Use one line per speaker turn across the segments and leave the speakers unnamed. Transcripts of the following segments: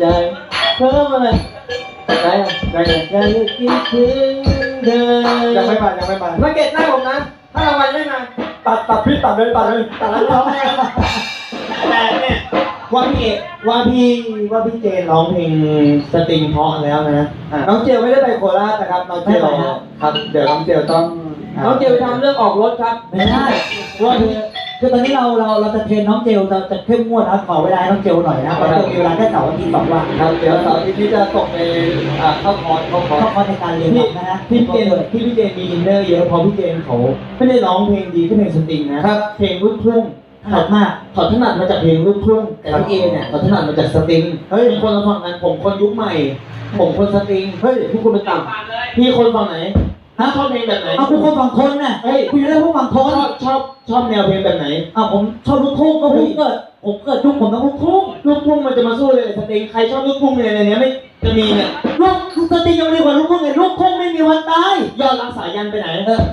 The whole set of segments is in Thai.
เพิ่มอะไรได้ยังคิดถึงเธอ
ยังไม่มา
มาเก็ตหน้าผมนะถ้ารางวัลไม่มา
ตัดพี่ตัดเลยตัดแล้วร้อง
แต่เนี่ยว่าพี่เจนร้องเพลงสตริงเพราะแล้วนะน้องเจลไม่ได้ไปโคราชนะครับน้องเจลครับเดี๋ยวน้องเจลต้องน้องเจลทำเรื่องออกรถครับ
ไม่ได้ว่าคือตอนนี้เราจะเทรนน้องเจลจะเข้มงวดนะขอเวลาน้องเจลหน่อยนะเพราะจะมีเวลาแค่เสาร์อาทิตย์2 วัน
ครับเดี๋ยวเสาร์อาทิตย์นี้จะตกในเข้าคอร์ส
ในการเรียนนะฮะ
พี่เจนมีอินเนอร์เยอะเพราะพี่เจนเขาไม่ได้ร้องเพลงดีแค่เพลงสตริงนะครับเพลงลูกทุ่งถนัดมากเขาถนัดมาจากเพลงลูกทุ่งแต่พี่เอเนี่ยเขาถนัดมาจากสตริงเฮ้ยคนละฝั่งกันผมคนยุคใหม่ผมคนสตริงเฮ้ยพวกคุณเป็นต่ำพี่คนฝั่งไหนชอบเพลงแบบไหน
เอาคุณคนฝั่งคนน่ะ
เฮ้ย
คุณอยู่ได้พวกฝั่งคน
ชอบแนวเพลงแบบไหน
ผมชอบลูกทุ่งก็ผมเกิดยุคผมต้องลูกทุ่ง
มันจะมาสู้เลยสตริงใครชอบลูกทุ่งในนี้ไม่จะมีเนี่ย
ลูกสตริงยังดีกว่าลูกทุ่งเลยลูกทุ่งไม่มีวันตาย
ยอดรักสายันไปไหน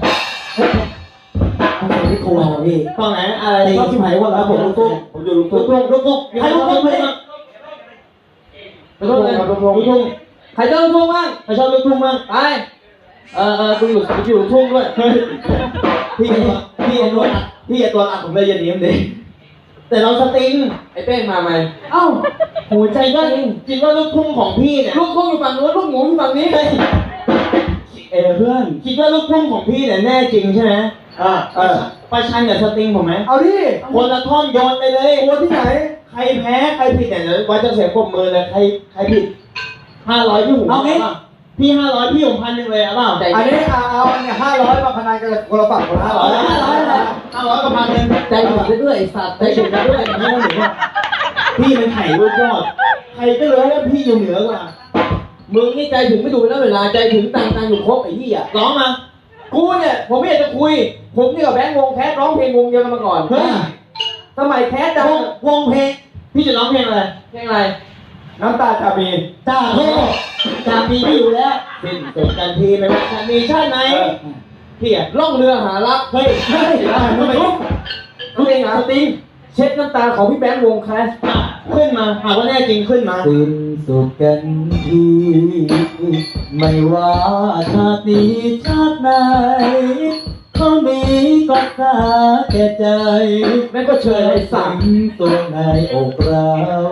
ไม่กลัวพี่
ฝั่งไหนอะไร
ชอบชิมหายว่าแล้วผมลูกทุ่ง
อยู่ลูกทุ่ง
ใครลูกทุ่งเลย
ลูกทุ่งใครชอบลูกทุ่งบ้างใครชอบลูกทุ่งบ้างไปกูอยู่ลูกทุ่งด้วยพี่ตัวอัดผมเลยอย่าหนีมันดิแต่เราสตริงไอ้เป้งมาไหมหัวใจก็คิดว่าลูกทุ่งของพี่เนี่ยลูกทุ่งอยู่ฝั่งนู้นลูกหมูอยู่ฝั่งนี้เลยเพื่อนคิดว่าลูกทุ่งของพี่เนี่ยแน่จริงใช่ไหมประชันกับสตริงผมไหม
เอาดิ
คนละท่อนโยนไปเลย
คนที่ไหน
ใครแพ้ใครผิดเนี่ยว่าจะเสียปมมือเลยใครผิด500พี่หู
เอาไง
พี่500พี่ผม1,000เลยเปล่า
อันนี้เอาเนี่ย500มาพนันกันคนละฝั่งคนละ
500กับ1,000ใจถึงไปด้วยไอ้สัตว์ใจถึงไปด้วยอย่างนี้หนูว่าพี่มันไข่ลูกยอดใครก็เลยว่าพี่อยู่เหนือกว่ามึงนี่ใจถึงไม่ดูแล้วเวลาใจถึงต่างอยู่ครบไอ้ที่ร้องมากูเนี่ยผมไม่อยากจะคุยผมนี่กับแบงค์วงแคสร้องเพลงวงเดียวกันมาก่อนสมัยแคสวงเพลงพี่จะร้องเพลงอะไร
น้ำตาจะมี
พี่อยู่แล้วสิ้นสุดกันทีไม่ว่าจะมีชาติไหนพี่ล่องเรือหารักเฮ้ยทำไมรู้เองเหรอสติงเช็ดน้ำตาของพี่แบงค์วงแคสขึ้นมาหากว่าแน่จริงขึ้นมา
สิ้นสุดกันทีไม่ว่าชาตินี้ชาติไหนเขามีก็ตาแก่ใจ
แม่ก็เชิญให้สั่ง
ตัวในอกเรา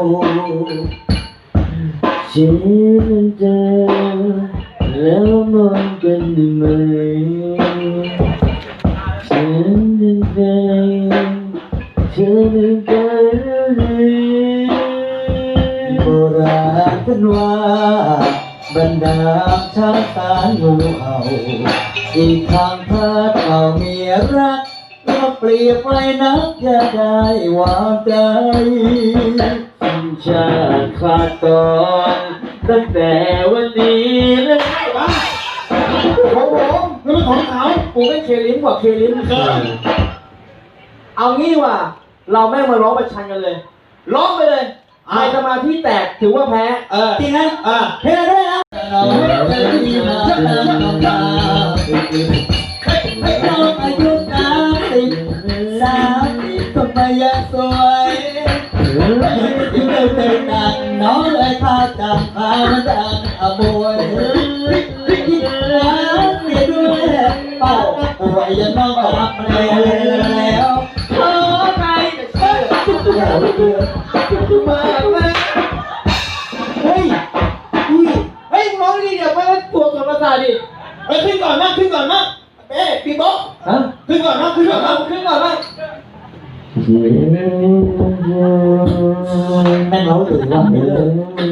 ฉันจะแล้วนอนกันได้ไหมฉันจะโบราณท่านว่าบรรดาช้างตางูเห่าอีกทางพัดเอาเมียรักก็เปรียบไว้นักจะได้วางใจสัญชาติขาดตอนตั้งแต่วันนี้เลย
ของผมนี่เป็นของเขากูไม่เคลิ้มกว่าเคลิ้มเอางี้ว่าเราแม่งมาร้องประชันกันเลยร้องไปเลยใครสมาธิแตกถือว่าแพ้
จริงไหม
เพลงด้วยนะ
น้องอายุ30 ทำไมยังสวยที่เดินดังน้องเลยพาจับพามันดังบวยคิดแล้วเสียด้วยปากป่วยยังน้องรับแล้ว
ขอใครจะเชื่อมาเฮ้ยร้องดีเดี๋ยวมาตัวกับภาษาดิขึ้นก่อนนะปีโบ๊ะขึ้นก่อนนะ
แม่งเราหรือว่าไม่เลย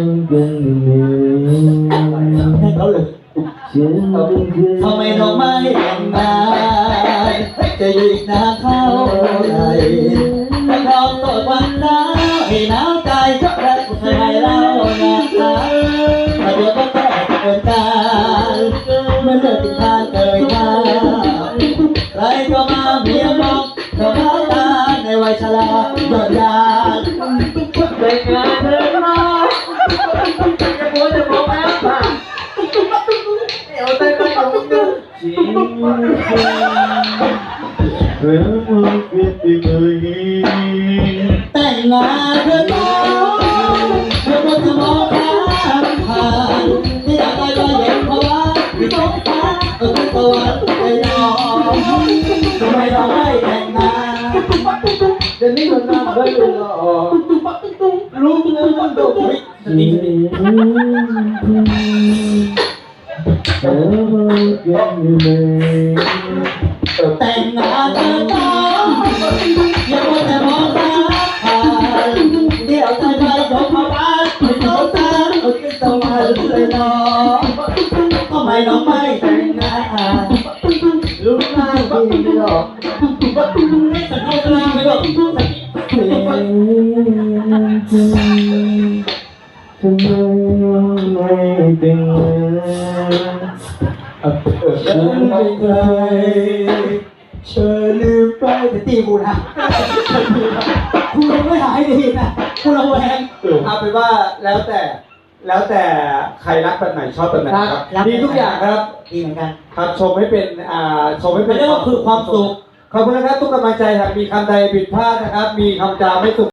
แม่งเราหรือทำไมเราไม่ยังไงจะอยู่อีกนานเท่าไหร่ถ้าเราตกวันหนาวให้หนาวใจและใครเล่านะคะถ้าเดี๋ยวก็แตกเกินการเมื่อเลิกกินทานเกินมาใครก็มาเมียมองก็มาตาในวัยชราหยดยา
แต่งงานเธอมาจะโวยจะบอกแล้วป่ะเดี๋ยวแต่งงานของมึงจริง
แต่งงานเธอต้องเธอจะมองใคร
ยหล่อ
รู้มึงเลยว่าโดนสติสติ
แต่งงานเธอต้องอย่ามัวแต่มองตาเดี๋ยวใจไปยกมาบ้านไม่ต้องตาเอาขึ้นสวรรค์เลยน้องทำไมน้องไม่แต่งงาน
รู้หน้าพี่ไม่หรอก
สักคนกลางไปหรอก
ทำไมไม่แต่งงานฉันเป็นใครเธอลืมไปแต่ตีกูนะกูยังไม่หายดีนะกูระแวงเอาเป็นว่าแล้วแต่ใครรักแบบไหนชอบแบบไหนครับดีทุกอย่างครับ
ดีเหมือนกัน
ครับชมให้เป็นชมให้เป็น
เรียกว่าคือความสุข
ขอบคุณนะครับทุกกำลังใจหากมีคำใดผิดพลาดนะครับ มีคำจาไม่สุ